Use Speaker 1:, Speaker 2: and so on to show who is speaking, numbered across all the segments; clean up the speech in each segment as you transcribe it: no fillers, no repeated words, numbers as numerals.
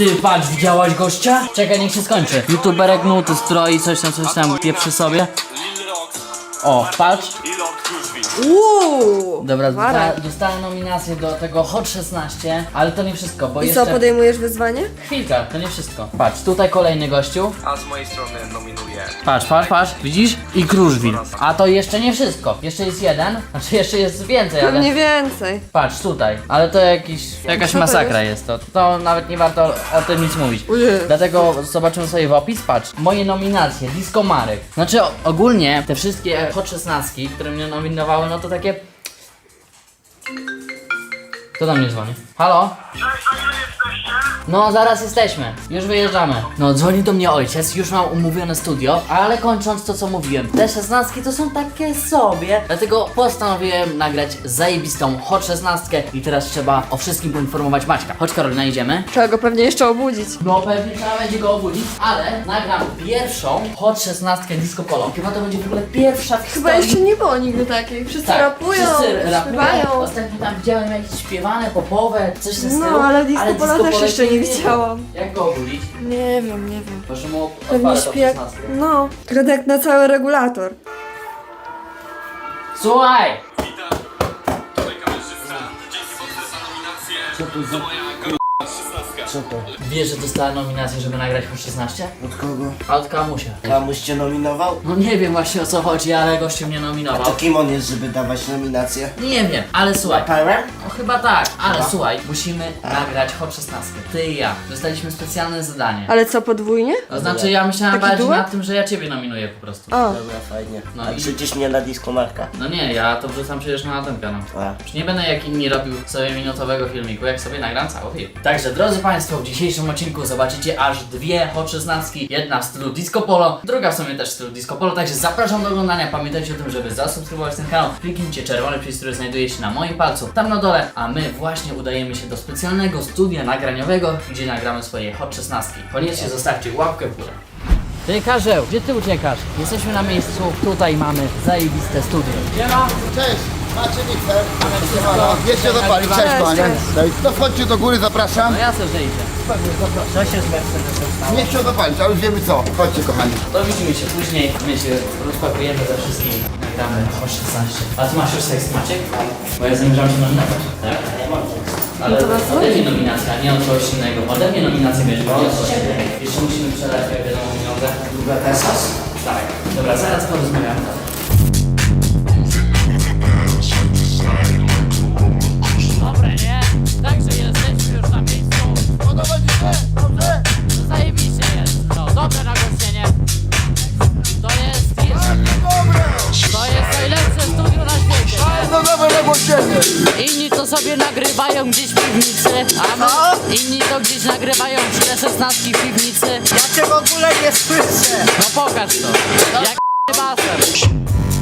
Speaker 1: Ty, patrz, widziałaś gościa? Czekaj, niech się skończy. YouTuberek nuty stroi, coś tam pieprzy sobie. O, patrz. Dobra, dostałem nominację do tego Hot 16, ale to nie wszystko, bo
Speaker 2: I
Speaker 1: jeszcze...
Speaker 2: co, podejmujesz wyzwanie?
Speaker 1: Chwilka, to nie wszystko. Patrz, tutaj kolejny gościu.
Speaker 3: A z mojej strony nominuję.
Speaker 1: Patrz, widzisz? I Kruszwil. A to jeszcze nie wszystko. Jeszcze jest jeden, znaczy jeszcze jest więcej, ale...
Speaker 2: Pewnie więcej.
Speaker 1: Patrz, tutaj. Ale to jakaś
Speaker 2: Co to
Speaker 1: masakra jest to. To nawet nie warto o tym nic mówić.
Speaker 2: Ojej.
Speaker 1: Dlatego zobaczymy sobie w opis, patrz. Moje nominacje, Disco Marek. Znaczy ogólnie te wszystkie Hot 16, które mnie nominowały, no to takie... Kto do mnie dzwoni? Halo? No, zaraz jesteśmy. Już wyjeżdżamy. No, dzwoni do mnie ojciec, już mam umówione studio, ale kończąc to, co mówiłem, te 16 to są takie sobie, dlatego postanowiłem nagrać zajebistą Hot 16 i teraz trzeba o wszystkim poinformować Maćka. Chodź, Karolina, idziemy.
Speaker 2: Trzeba go pewnie jeszcze obudzić.
Speaker 1: No, pewnie trzeba będzie go obudzić, ale nagram pierwszą Hot 16 Disco Polo. Chyba to będzie w ogóle pierwsza w
Speaker 2: Chyba
Speaker 1: historii.
Speaker 2: jeszcze nie było nigdy takiej. Wszyscy
Speaker 1: Tak,
Speaker 2: rapują,
Speaker 1: wszyscy rapują.
Speaker 2: śpiewają.
Speaker 1: Ostatnio tam widziałem jakieś śpiewane, popowe, coś ze
Speaker 2: No,
Speaker 1: stylu.
Speaker 2: ale Disco Polo też
Speaker 1: Polo
Speaker 2: jeszcze nie widziałam.
Speaker 1: Jak go obudzić?
Speaker 2: Nie wiem.
Speaker 1: Proszę mu
Speaker 2: Pewnie
Speaker 1: odpalę to
Speaker 2: śpi jak...
Speaker 1: 16.
Speaker 2: No, Grodek na cały regulator.
Speaker 1: Słuchaj!
Speaker 3: Witam. Tutaj kamerzysta. Dzięki mocne za nominację. To moja
Speaker 1: Wiesz, że dostałem nominację, żeby nagrać po 16?
Speaker 4: Od kogo?
Speaker 1: A od Kamusia.
Speaker 4: Kamuś cię nominował?
Speaker 1: No nie wiem właśnie o co chodzi, ale gościu mnie
Speaker 4: A
Speaker 1: nominował.
Speaker 4: to kim on jest, żeby dawać nominację?
Speaker 1: Nie wiem, ale słuchaj.
Speaker 4: Power?
Speaker 1: No chyba tak, ale słuchaj, musimy nagrać Hot 16. Ty i ja. Dostaliśmy specjalne zadanie.
Speaker 2: Ale co, podwójnie?
Speaker 1: To znaczy ja myślałem
Speaker 2: Taki
Speaker 1: bardziej
Speaker 2: duet?
Speaker 1: nad tym, że ja ciebie nominuję po prostu.
Speaker 2: O,
Speaker 4: Dobra, fajnie.
Speaker 1: No
Speaker 4: A
Speaker 1: i-
Speaker 4: przecież nie na Disco Marka.
Speaker 1: No nie, ja to wrzucam przecież na ten kanał.
Speaker 4: A.
Speaker 1: Już nie będę jak inni robił sobie minutowego filmiku, jak sobie nagram cały film. Także drodzy Państwo, w dzisiejszym odcinku zobaczycie aż dwie Hot 16. Jedna w stylu Disco Polo, druga w sumie też w stylu Disco Polo, także zapraszam do oglądania. Pamiętajcie o tym, żeby zasubskrybować ten kanał. Kliknijcie czerwony przycisk, który znajduje się na moim palcu, tam na dole, a my właśnie udajemy się do specjalnego studia nagraniowego, gdzie nagramy swoje Hot 16. Koniecznie zostawcie łapkę w górę. Ty Karzeł, gdzie ty uciekasz? Jesteśmy na miejscu, tutaj mamy zajebiste studio. Gdzie ma?
Speaker 5: Cześć, macie mikser.
Speaker 1: wszystko.
Speaker 5: Wiecie zapalić, cześć
Speaker 2: Cześć,
Speaker 5: panie.
Speaker 2: cześć.
Speaker 5: Cześć. No wchodźcie do góry, zapraszam.
Speaker 1: No jasne, że idzie. Co się z Mercedesem stało?
Speaker 5: Nie chciał zapalić, ale już wiemy co. Chodźcie kochani.
Speaker 1: To widzimy się później, my się rozpakujemy ze wszystkim, nagramy o 16. A ty masz już tekst, Maciek? Bo ja zamierzam się nominować, tak? Ale
Speaker 2: No to was
Speaker 1: ode mnie nominacja, nie od kogoś innego. Ode mnie nominację bierze, bo jeszcze musimy przelać, jak wiadomo, pieniądze.
Speaker 4: Druga Tesas?
Speaker 1: Tak. Dobra, zaraz porozmawiamy.
Speaker 6: Dobre, nie? Także jesteśmy już na miejscu. Zajebiście jest. No, dobre nagłośnienie. To jest najlepsze studio na świecie.
Speaker 5: No dobre nagłośnienie.
Speaker 6: Inni to sobie nagrywają gdzieś w piwnicy, a my inni to gdzieś nagrywają te 16 w piwnicy.
Speaker 4: Ja cię w ogóle nie słyszę!
Speaker 6: No pokaż to. Jak baser.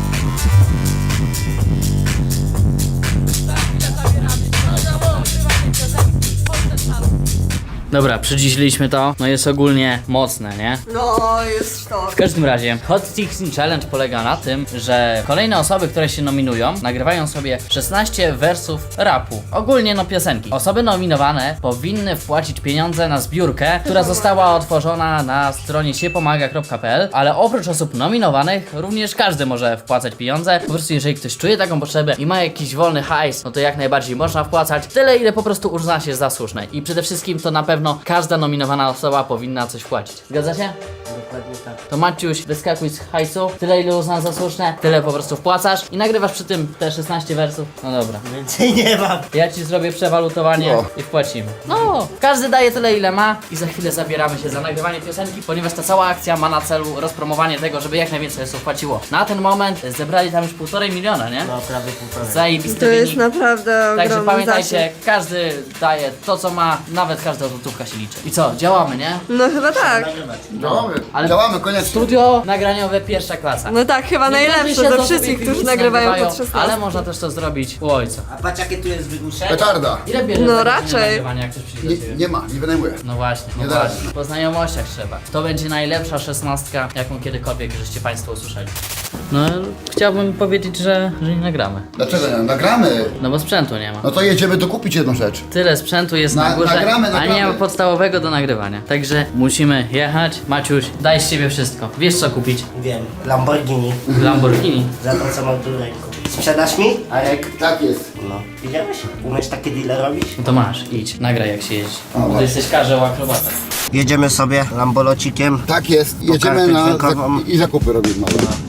Speaker 1: Dobra, przyciśliśmy to, no jest ogólnie mocne, nie?
Speaker 2: no jest to.
Speaker 1: W każdym razie, Hot 16 Challenge polega na tym, że kolejne osoby, które się nominują, nagrywają sobie 16 wersów rapu. Ogólnie no piosenki. Osoby nominowane powinny wpłacić pieniądze na zbiórkę, która została otworzona na stronie siepomaga.pl, ale oprócz osób nominowanych, również każdy może wpłacać pieniądze. Po prostu jeżeli ktoś czuje taką potrzebę i ma jakiś wolny hajs, no to jak najbardziej można wpłacać tyle, ile po prostu uzna się za słuszne. I przede wszystkim to na pewno każda nominowana osoba powinna coś wpłacić. Zgadza się?
Speaker 4: Dokładnie tak.
Speaker 1: To Maciuś, wyskakuj z hajsu, tyle ile uznasz za słuszne, tyle po prostu wpłacasz i nagrywasz przy tym te 16 wersów. No dobra.
Speaker 4: Więcej nie mam.
Speaker 1: Ja ci zrobię przewalutowanie
Speaker 5: No.
Speaker 1: i wpłacimy. No, każdy daje tyle ile ma i za chwilę zabieramy się za nagrywanie piosenki, ponieważ ta cała akcja ma na celu rozpromowanie tego, żeby jak najwięcej osób wpłaciło. Na ten moment zebrali tam już 1,5 miliona, nie?
Speaker 4: No prawie półtorej.
Speaker 1: Zajebisty
Speaker 2: To jest
Speaker 1: wynik.
Speaker 2: naprawdę
Speaker 1: Także
Speaker 2: ogromny
Speaker 1: pamiętajcie,
Speaker 2: zasięg.
Speaker 1: każdy daje to co ma, nawet każda złotówka się liczy. I co, działamy, nie?
Speaker 2: No chyba tak.
Speaker 5: Działamy,
Speaker 1: Ale-
Speaker 5: działamy, koniecznie.
Speaker 1: Studio nagraniowe pierwsza klasa.
Speaker 2: No tak, chyba
Speaker 1: Niektórzy
Speaker 2: najlepsze
Speaker 1: siedzą
Speaker 2: ze
Speaker 1: sobie
Speaker 2: wszystkich,
Speaker 1: w
Speaker 2: którzy
Speaker 1: piwnicy,
Speaker 2: nagrywają pod 16.
Speaker 1: ale można też to zrobić u ojca.
Speaker 4: A patrz jakie tu jest wygłuszenie.
Speaker 5: Petarda.
Speaker 1: Ile bierzesz
Speaker 2: No
Speaker 1: za godzinę
Speaker 2: raczej.
Speaker 1: nagrywania, jak ktoś przyjdzie do ciebie?
Speaker 5: Nie ma, nie wynajmuję.
Speaker 1: No właśnie, no
Speaker 5: Nie da
Speaker 1: właśnie. Po znajomościach trzeba. To będzie najlepsza 16, jaką kiedykolwiek żeście Państwo usłyszeli. No, chciałbym powiedzieć, że nie nagramy.
Speaker 5: Dlaczego nie? Nagramy.
Speaker 1: No bo sprzętu nie ma.
Speaker 5: No to jedziemy dokupić jedną rzecz.
Speaker 1: Tyle sprzętu jest na górze,
Speaker 5: nagramy,
Speaker 1: a nie ma
Speaker 5: nagramy.
Speaker 1: podstawowego do nagrywania. Także musimy jechać. Maciuś, daj z siebie wszystko. Wiesz co kupić?
Speaker 4: Wiem. Lamborghini.
Speaker 1: Lamborghini.
Speaker 4: Za to, co mam tu w ręku. Sprzedasz mi? Arek?
Speaker 5: Tak jest.
Speaker 4: No. Widziałeś? Umiesz takie deale robić?
Speaker 1: No to masz, idź, nagraj jak się jeździ.
Speaker 5: O,
Speaker 1: Bo ty
Speaker 5: właśnie.
Speaker 1: jesteś karzeł akrobata.
Speaker 4: Jedziemy sobie Lambolocikiem.
Speaker 5: Tak jest. Jedziemy
Speaker 4: kartę
Speaker 5: na
Speaker 4: dźwiękową.
Speaker 5: i zakupy robimy.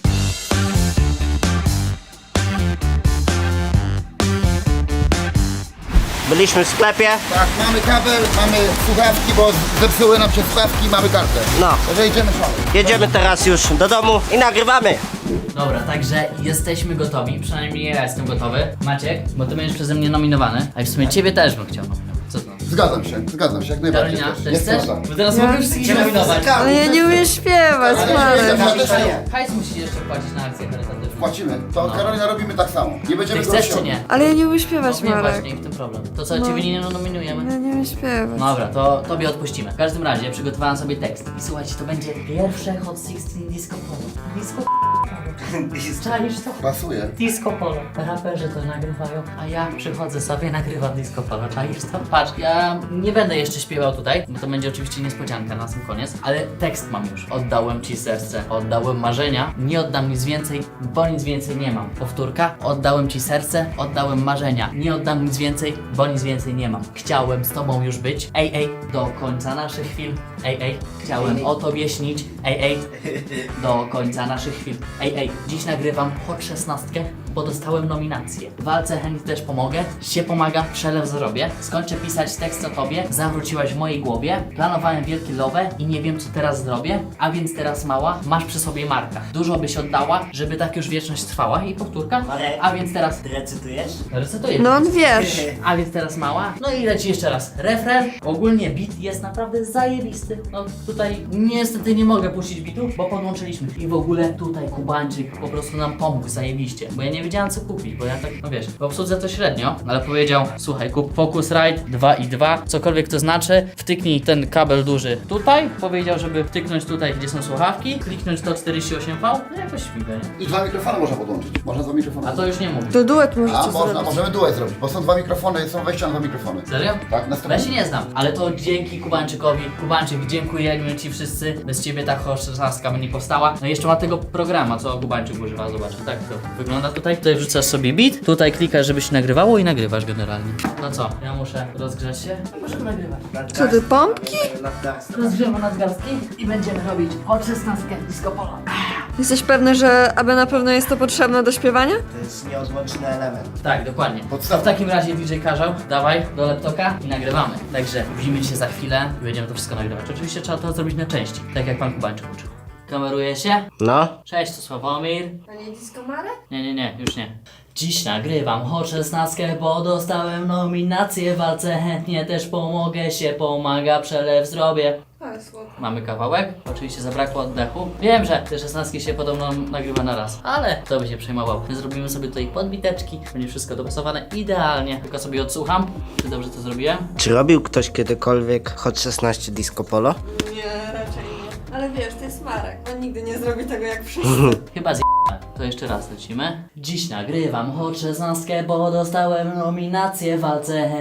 Speaker 4: Byliśmy w sklepie.
Speaker 5: Tak, mamy kabel, mamy słuchawki, bo zepsuły nam się słuchawki i mamy kartę.
Speaker 4: No.
Speaker 5: Także idziemy szaleć.
Speaker 4: Jedziemy teraz już do domu i nagrywamy.
Speaker 1: Dobra, także jesteśmy gotowi, przynajmniej ja jestem gotowy. Maciek, bo ty będziesz przeze mnie nominowany, a w sumie ciebie też bym chciał nominować. Co to?
Speaker 5: Zgadzam się, jak najbardziej.
Speaker 1: Karolina, też
Speaker 5: Jest
Speaker 1: chcesz?
Speaker 5: prawda.
Speaker 1: Bo teraz mogę wszystkich nominować.
Speaker 2: Ale ja nie umiem śpiewać, Marek.
Speaker 5: Ja też nie.
Speaker 1: Hajs musisz jeszcze płacić na akcję charytatywną.
Speaker 5: Płacimy. To Karolina robimy tak samo. Nie
Speaker 1: Ty
Speaker 5: będziemy
Speaker 1: chcesz
Speaker 5: go
Speaker 1: czy nie?
Speaker 2: Ale ja nie umiem śpiewać,
Speaker 1: No nie
Speaker 2: Marek.
Speaker 1: właśnie, w tym problem. To co, ciebie nie nominujemy?
Speaker 2: Ja nie umiem śpiewać.
Speaker 1: Dobra, to tobie odpuścimy. W każdym razie przygotowałem sobie tekst. I słuchajcie, to będzie pierwsze Hot 16 Disco Polo. Disco Czaisz to?
Speaker 5: Pasuje.
Speaker 1: Disco Polo. Raperzy to nagrywają, a ja przychodzę sobie, nagrywam Disco Polo. Czaisz to? Patrz, ja nie będę jeszcze śpiewał tutaj, bo to będzie oczywiście niespodzianka na sam koniec, ale tekst mam już. Oddałem ci serce, oddałem marzenia, nie oddam nic więcej, bo nic więcej nie mam. Powtórka, oddałem ci serce, oddałem marzenia, nie oddam nic więcej, bo nic więcej nie mam. Chciałem z tobą już być, do końca naszych chwil, chciałem o tobie śnić, do końca naszych chwil, dziś nagrywam Hot 16, bo dostałem nominację. W walce chętnie też pomogę, się pomaga, przelew zrobię, skończę pisać tekst o tobie, zawróciłaś w mojej głowie, planowałem wielkie love i nie wiem co teraz zrobię, a więc teraz mała, masz przy sobie Marka. Dużo byś oddała, żeby tak już wieczność trwała i powtórka, a więc teraz...
Speaker 4: Ty recytujesz?
Speaker 1: Recytuję.
Speaker 2: No on wiesz.
Speaker 1: A więc teraz mała. No i leci jeszcze raz refren. Ogólnie beat jest naprawdę zajebisty. No tutaj niestety nie mogę puścić beatu, bo podłączyliśmy. I w ogóle tutaj Kubańczyk po prostu nam pomógł zajebiście. Bo ja nie wiedziałem co kupić, bo ja tak, no wiesz, w obsłudze to średnio, ale powiedział, słuchaj, kup Focusrite 2 i 2, cokolwiek to znaczy, wtyknij ten kabel duży tutaj. Powiedział, żeby wtyknąć tutaj, gdzie są słuchawki, kliknąć to 48V, no jakoś śmigę, nie?
Speaker 5: I 2 mikrofony można podłączyć. Można 2 mikrofony.
Speaker 1: A to już nie mówi.
Speaker 2: To duet możecie
Speaker 5: A można,
Speaker 2: zrobić.
Speaker 5: możemy duet zrobić, bo są 2 mikrofony, są wejścia na 2 mikrofony.
Speaker 1: Serio?
Speaker 5: Tak, na
Speaker 1: Ja się nie znam, ale to dzięki Kubańczykowi. Kubańczyk, dziękujemy ci wszyscy. Bez ciebie ta Hot 16 by nie powstała. No i jeszcze ma tego programu, co Kubańczyk używa, zobacz. Tak to wygląda tutaj. Tutaj wrzucasz sobie beat, tutaj klikasz, żeby się nagrywało i nagrywasz generalnie. No co, ja muszę rozgrzać się i możemy nagrywać.
Speaker 2: Co ty, pompki?
Speaker 1: Rozgrzewamy nadgarstki i będziemy robić Hot 16 Disco Polo.
Speaker 2: Jesteś pewny, że aby na pewno jest to potrzebne do śpiewania?
Speaker 4: To jest nieodłączny element.
Speaker 1: Tak, dokładnie.
Speaker 5: Podstawa.
Speaker 1: To w takim razie DJ Karzeł, dawaj do laptopa i nagrywamy. Także widzimy się za chwilę i będziemy to wszystko nagrywać. Oczywiście trzeba to zrobić na części, tak jak pan Kubańczyk uczył. Kameruje się?
Speaker 4: No.
Speaker 1: Cześć, to Sławomir.
Speaker 2: A nie disco Marek?
Speaker 1: Nie, już nie. Dziś nagrywam Hot 16, bo dostałem nominację w walce, chętnie też pomogę, się pomaga, przelew zrobię.
Speaker 2: Ale słodko.
Speaker 1: Mamy kawałek, oczywiście zabrakło oddechu. Wiem, że te 16 się podobno nagrywa na raz, ale kto by się przejmował. My zrobimy sobie tutaj podbiteczki, będzie wszystko dopasowane idealnie. Tylko sobie odsłucham, czy dobrze to zrobiłem.
Speaker 4: Czy robił ktoś kiedykolwiek Hot 16 Disco Polo?
Speaker 2: Nie, raczej nie. Ale wiesz, to jest Marek. On nigdy nie zrobi tego jak wszyscy.
Speaker 1: Chyba to jeszcze raz lecimy. Dziś nagrywam Hot 16, bo dostałem nominację w walce.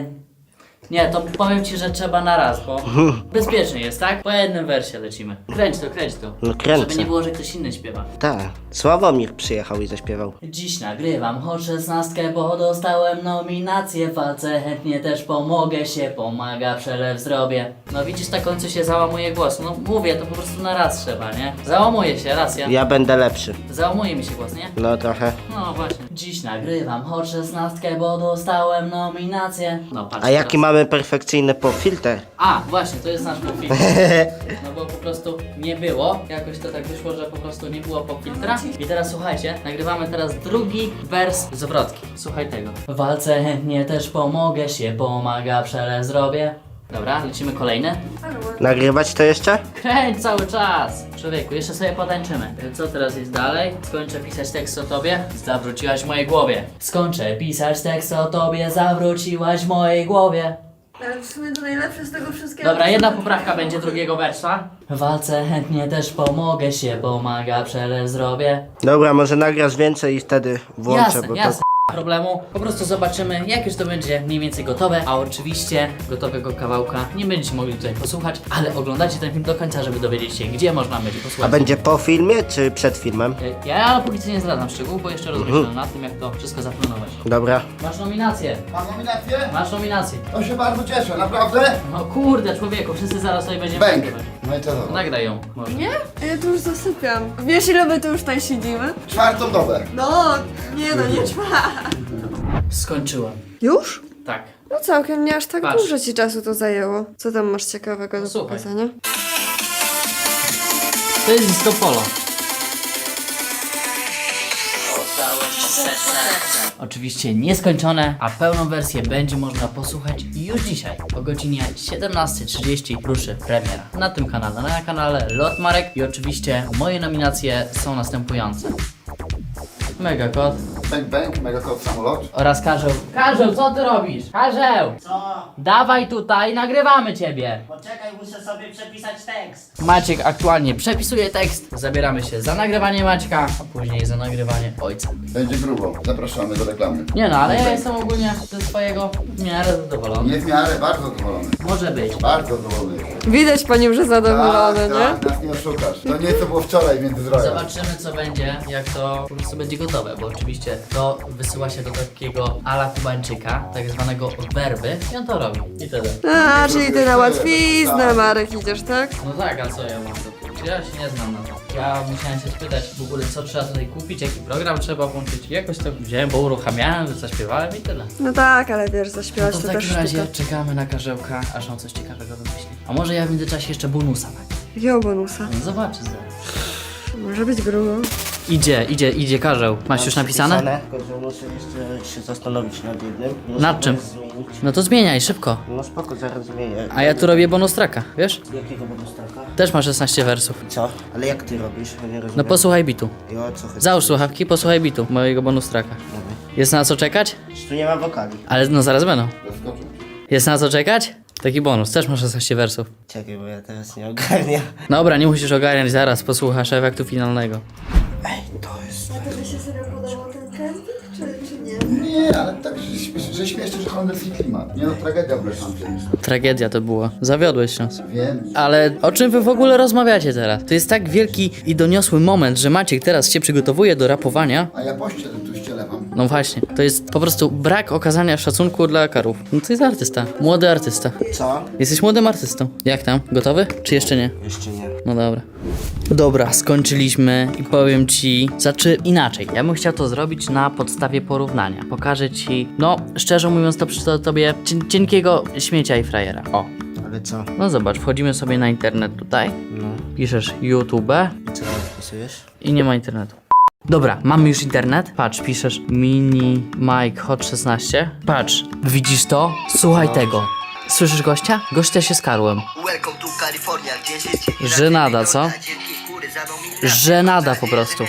Speaker 1: Nie, to powiem ci, że trzeba na raz, bo bezpiecznie jest, tak? Po jednym wersie lecimy. Kręć to.
Speaker 4: No kręcę.
Speaker 1: Żeby nie było, że ktoś inny śpiewa.
Speaker 4: Tak. Sławomir przyjechał i zaśpiewał.
Speaker 1: Dziś nagrywam Hot 16, bo dostałem nominację w walce. Chętnie też pomogę, się pomaga, przelew zrobię. No widzisz, na końcu się załamuje głos. No mówię, to po prostu na raz trzeba, nie? Załamuje się, raz ja.
Speaker 4: Ja będę lepszy.
Speaker 1: Załamuje mi się głos, nie?
Speaker 4: No trochę.
Speaker 1: No właśnie. Dziś nagrywam Hot 16, bo dostałem nominację. No patrz.
Speaker 4: A jaki
Speaker 1: teraz.
Speaker 4: mamy perfekcyjny filtr?
Speaker 1: A, właśnie, to jest nasz pop-filtr. No bo po prostu nie było. Jakoś to tak wyszło, że po prostu nie było pop-filtra. I teraz słuchajcie, nagrywamy teraz drugi wers zwrotki. Słuchaj tego. W walce chętnie też pomogę, się pomaga, przelew zrobię. Dobra, lecimy kolejne.
Speaker 4: Nagrywać to jeszcze?
Speaker 1: Kręć cały czas! Człowieku, jeszcze sobie potańczymy. Co teraz jest dalej? Skończę pisać tekst o tobie, zawróciłaś w mojej głowie. Skończę pisać tekst o tobie, zawróciłaś w mojej głowie.
Speaker 2: Ale w sumie to najlepsze z tego wszystkiego.
Speaker 1: Dobra, jedna poprawka będzie drugiego wersza. W walce chętnie też pomogę się, pomaga, przelew zrobię.
Speaker 4: Dobra, może nagrasz więcej i wtedy włączę,
Speaker 1: Jasne,
Speaker 4: bo
Speaker 1: jasne. Problemu. Po prostu zobaczymy, jak już to będzie mniej więcej gotowe, a oczywiście gotowego kawałka nie będziecie mogli tutaj posłuchać, ale oglądajcie ten film do końca, żeby dowiedzieć się, gdzie można będzie
Speaker 4: A
Speaker 1: posłuchać.
Speaker 4: będzie po filmie czy przed filmem?
Speaker 1: Ja póki co nie zdradzam szczegółów, bo jeszcze rozmyślam nad tym, jak to wszystko zaplanować.
Speaker 4: Dobra.
Speaker 1: Masz nominację.
Speaker 5: Mam nominację?
Speaker 1: Masz nominację.
Speaker 5: To się bardzo cieszę, naprawdę?
Speaker 1: No kurde, człowieku, wszyscy zaraz sobie będziemy
Speaker 5: Bęk.
Speaker 1: nagrywać.
Speaker 5: No i co to?
Speaker 1: Nagraj ją, może.
Speaker 2: Nie? Ja tu już zasypiam. Wiesz ile my tu już tutaj siedzimy?
Speaker 5: Czwartą dobę.
Speaker 2: No, nie no, nie trwa.
Speaker 1: Skończyłem.
Speaker 2: Już?
Speaker 1: Tak.
Speaker 2: No całkiem nie aż tak
Speaker 1: Patrz.
Speaker 2: dużo ci czasu to zajęło. Co tam masz ciekawego do
Speaker 1: Słuchaj.
Speaker 2: pokazania?
Speaker 1: To jest disco polo. Oczywiście nieskończone, a pełną wersję będzie można posłuchać już dzisiaj o godzinie 17:30 ruszy premiera na tym kanale, na kanale Lot Marek i oczywiście moje nominacje są następujące. Mega Kot
Speaker 5: Bęk, bęk, mega kot samolot.
Speaker 1: oraz Karzeł. Karzeł, co ty robisz? Karzeł!
Speaker 7: Co?
Speaker 1: Dawaj tutaj, nagrywamy ciebie!
Speaker 7: Poczekaj, muszę sobie przepisać tekst.
Speaker 1: Maciek aktualnie przepisuje tekst. Zabieramy się za nagrywanie Maćka, a później za nagrywanie ojca.
Speaker 5: Będzie grubo. Zapraszamy do reklamy.
Speaker 1: Nie no, ale ja jestem ogólnie ze swojego w miarę zadowolony.
Speaker 5: Nie w miarę, bardzo zadowolony.
Speaker 1: Może być.
Speaker 5: Bardzo zadowolony.
Speaker 2: Widać po nim, że zadowolony, nie?
Speaker 5: tak, nas nie oszukasz. To nie co było wczoraj między zdrowia.
Speaker 1: Zobaczymy co będzie, jak to po prostu będzie gotowe, bo oczywiście to wysyła się do takiego ala Kubańczyka, tak zwanego werby i on to robi. I tyle.
Speaker 2: A, czyli ty na łatwiznę, Marek, idziesz, tak?
Speaker 1: No tak, a co ja mam to? Ja się nie znam na to. Ja musiałem się spytać w ogóle co trzeba tutaj kupić, jaki program trzeba włączyć. Jakoś to wziąłem, bo uruchamiałem, zaśpiewałem i tyle.
Speaker 2: No tak, ale wiesz,
Speaker 1: No
Speaker 2: zaśpiewać
Speaker 1: to w
Speaker 2: to też
Speaker 1: takim razie
Speaker 2: sztuka.
Speaker 1: czekamy na Karzełka, aż on coś ciekawego wymyśli. A może ja w międzyczasie jeszcze bonusa tak?
Speaker 2: Jakiego bonusa?
Speaker 1: No zobaczy zaraz.
Speaker 2: Może być grubo.
Speaker 1: Idzie Karzeł. Masz już napisane?
Speaker 4: Tylko, że muszę jeszcze się zastanowić nad jednym. Muszę
Speaker 1: Nad czym?
Speaker 4: to Zmienić.
Speaker 1: No to zmieniaj, szybko.
Speaker 4: No spoko, zaraz zmienię.
Speaker 1: A ja tu robię bonus tracka, wiesz?
Speaker 4: Jakiego bonustaka?
Speaker 1: Też ma 16 wersów.
Speaker 4: Co? Ale jak ty robisz? Ja nie rozumiem.
Speaker 1: No posłuchaj bitu.
Speaker 4: I o co chodzi?
Speaker 1: Załóż słuchawki, posłuchaj bitu mojego bonus tracka.
Speaker 4: Dobra.
Speaker 1: Jest na co czekać?
Speaker 4: Tu nie ma wokali.
Speaker 1: Ale no zaraz będą.
Speaker 5: Zaskoczył.
Speaker 1: Jest na co czekać? Taki bonus, też ma 16 wersów.
Speaker 4: Czekaj, bo ja teraz nie ogarniam.
Speaker 1: Dobra, nie musisz ogarniać, zaraz posłuchasz efektu finalnego.
Speaker 4: Ej, to jest...
Speaker 2: A tobie się serio podobał ten casting, czy nie?
Speaker 5: Nie, ale tak, że śmieszny, że holenderski klimat. Nie no, tragedia w Breszącie.
Speaker 1: Tragedia to była. Zawiodłeś nas.
Speaker 5: Wiem.
Speaker 1: Ale o czym wy w ogóle rozmawiacie teraz? To jest tak wielki i doniosły moment, że Maciek teraz się przygotowuje do rapowania.
Speaker 5: A ja pościel tu ścielewam.
Speaker 1: No właśnie, to jest po prostu brak okazania szacunku dla karów. No to jest artysta, młody artysta.
Speaker 4: Co?
Speaker 1: Jesteś młodym artystą. Jak tam? Gotowy? Czy jeszcze nie?
Speaker 4: Jeszcze nie.
Speaker 1: No dobra. Dobra, skończyliśmy i powiem ci, znaczy inaczej. Ja bym chciał to zrobić na podstawie porównania. Pokażę ci, no szczerze mówiąc to przeczytam tobie cienkiego śmiecia i frajera. O,
Speaker 4: Ale co?
Speaker 1: no zobacz, wchodzimy sobie na internet tutaj,
Speaker 4: No.
Speaker 1: piszesz YouTube
Speaker 4: Co tam wpisujesz?
Speaker 1: i nie ma internetu. Dobra, mamy już internet. Patrz, piszesz mini Mike Hot 16. Patrz, widzisz to? Słuchaj tego. Słyszysz gościa? Gościa się skarłem.
Speaker 8: Welcome to California, gdzie życie
Speaker 1: Żenada, co? Żenada po prostu.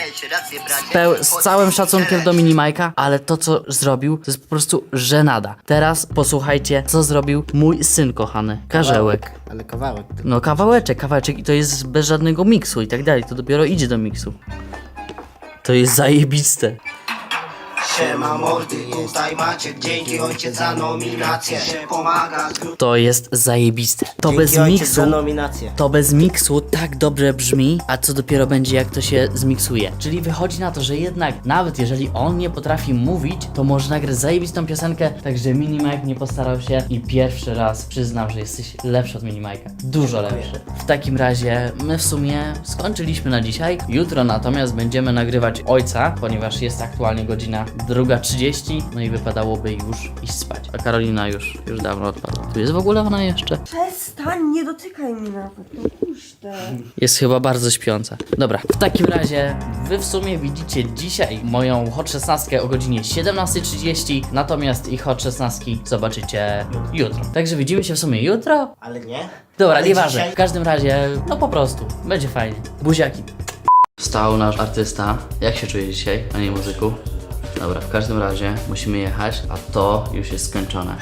Speaker 1: Z całym szacunkiem do mini Majka, ale to co zrobił, to jest po prostu żenada. Teraz posłuchajcie, co zrobił mój syn kochany, Karzełek.
Speaker 4: Ale kawałek.
Speaker 1: No kawałeczek i to jest bez żadnego miksu i tak dalej, to dopiero idzie do miksu. To jest zajebiste.
Speaker 8: Siema mordy, tutaj Maciek, dzięki ojciec za nominację. Pomaga.
Speaker 1: To jest zajebiste. To bez
Speaker 4: Dzięki ojciec
Speaker 1: miksu.
Speaker 4: za nominację.
Speaker 1: To bez miksu tak dobrze brzmi, a co dopiero będzie jak to się zmiksuje. Czyli wychodzi na to, że jednak nawet jeżeli on nie potrafi mówić, to może nagrać zajebistą piosenkę, także Minimike nie postarał się i pierwszy raz przyznam, że jesteś lepszy od Minimike'a. Dużo lepszy. W takim razie my w sumie skończyliśmy na dzisiaj. Jutro natomiast będziemy nagrywać ojca, ponieważ jest aktualnie godzina 2:30, no i wypadałoby już iść spać. A Karolina już dawno odpadła. Tu jest w ogóle ona jeszcze?
Speaker 2: Przestań, nie dotykaj mnie nawet. No puszczę.
Speaker 1: Jest chyba bardzo śpiąca. Dobra, w takim razie wy w sumie widzicie dzisiaj moją Hot 16 o godzinie 17:30, natomiast ich Hot 16 zobaczycie jutro. Także widzimy się w sumie jutro.
Speaker 4: Ale nie?
Speaker 1: Dobra,
Speaker 4: Ale
Speaker 1: nieważne.
Speaker 4: dzisiaj-
Speaker 1: W każdym razie, no po prostu, będzie fajnie. Buziaki. Wstał nasz artysta. Jak się czuje dzisiaj, a nie muzyku? Dobra, w każdym razie musimy jechać, a to już jest skończone.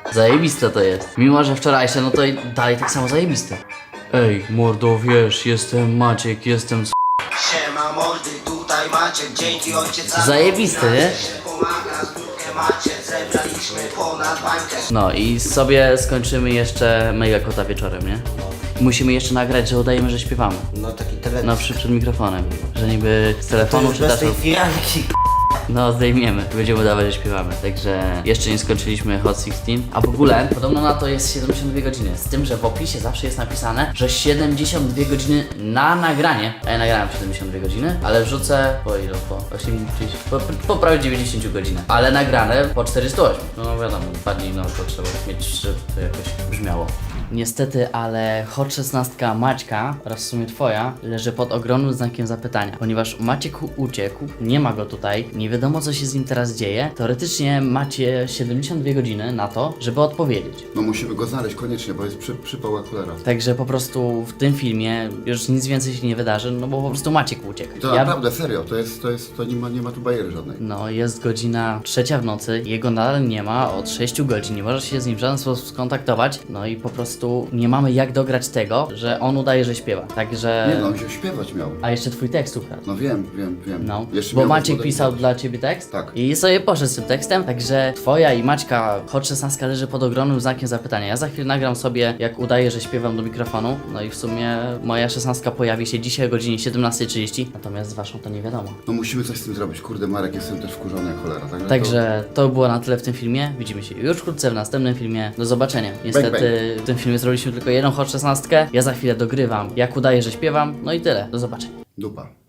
Speaker 1: Zajebiste to jest. Mimo, że wczorajsze, no to i dalej tak samo zajebiste. Ej, mordo, wiesz, jestem Maciek, jestem
Speaker 8: Siema mordy, tutaj Maciek, dzięki ojciec za
Speaker 1: Zajebisty, nie?
Speaker 8: nominację. Pomaga zbiórkę macie, zebraliśmy ponad bańkę.
Speaker 1: No i sobie skończymy jeszcze Mega Kota wieczorem, nie? Musimy jeszcze nagrać, że udajemy, że śpiewamy.
Speaker 4: No taki teledysk.
Speaker 1: No przed mikrofonem. Że niby z telefonu czy
Speaker 4: bez
Speaker 1: też.
Speaker 4: tej firanki.
Speaker 1: No zdejmiemy, będziemy udawać, że śpiewamy. Także jeszcze nie skończyliśmy Hot 16. A w ogóle podobno na to jest 72 godziny. Z tym, że w opisie zawsze jest napisane, że 72 godziny na nagranie. A ja nagrałem 72 godziny, ale wrzucę po ile? Po 80, po prawie 90 godzinach. Ale nagrane po 408. No wiadomo, 2 dni no to trzeba mieć, żeby to jakoś brzmiało. Niestety, ale Hot 16 Maćka oraz w sumie twoja leży pod ogromnym znakiem zapytania, ponieważ Maciek uciekł, nie ma go tutaj, nie wiadomo co się z nim teraz dzieje. Teoretycznie macie 72 godziny na to, żeby odpowiedzieć.
Speaker 5: No musimy go znaleźć koniecznie, bo jest przypał akulera.
Speaker 1: Także po prostu w tym filmie już nic więcej się nie wydarzy, no bo po prostu Maciek uciekł.
Speaker 5: To naprawdę, serio, to nie ma tu bajery żadnej.
Speaker 1: No, jest godzina 3 w nocy, jego nadal nie ma od 6 godzin, nie możesz się z nim w żaden sposób skontaktować, no i po prostu nie mamy jak dograć tego, że on udaje, że śpiewa. Także...
Speaker 5: Nie no, on się śpiewać miał.
Speaker 1: A jeszcze twój tekst ukradł.
Speaker 5: No wiem.
Speaker 1: No,
Speaker 5: Jeszcze
Speaker 1: bo
Speaker 5: miał
Speaker 1: Maciek
Speaker 5: zmodernizować.
Speaker 1: pisał dla ciebie tekst
Speaker 5: Tak.
Speaker 1: i sobie poszedł z tym tekstem, także twoja i Maćka Hot 16 leży pod ogromnym znakiem zapytania. Ja za chwilę nagram sobie, jak udaję, że śpiewam do mikrofonu, no i w sumie moja 16 pojawi się dzisiaj o godzinie 17:30, natomiast z waszą to nie wiadomo.
Speaker 5: No musimy coś z tym zrobić. Kurde, Marek, jestem też wkurzony jak cholera.
Speaker 1: Także to było na tyle w tym filmie. Widzimy się już wkrótce w następnym filmie. Do zobaczenia. Niestety w tym filmie zrobiliśmy tylko jedną Hot 16. Ja za chwilę dogrywam, jak udaję, że śpiewam. No i tyle. Do zobaczenia.
Speaker 5: Dupa.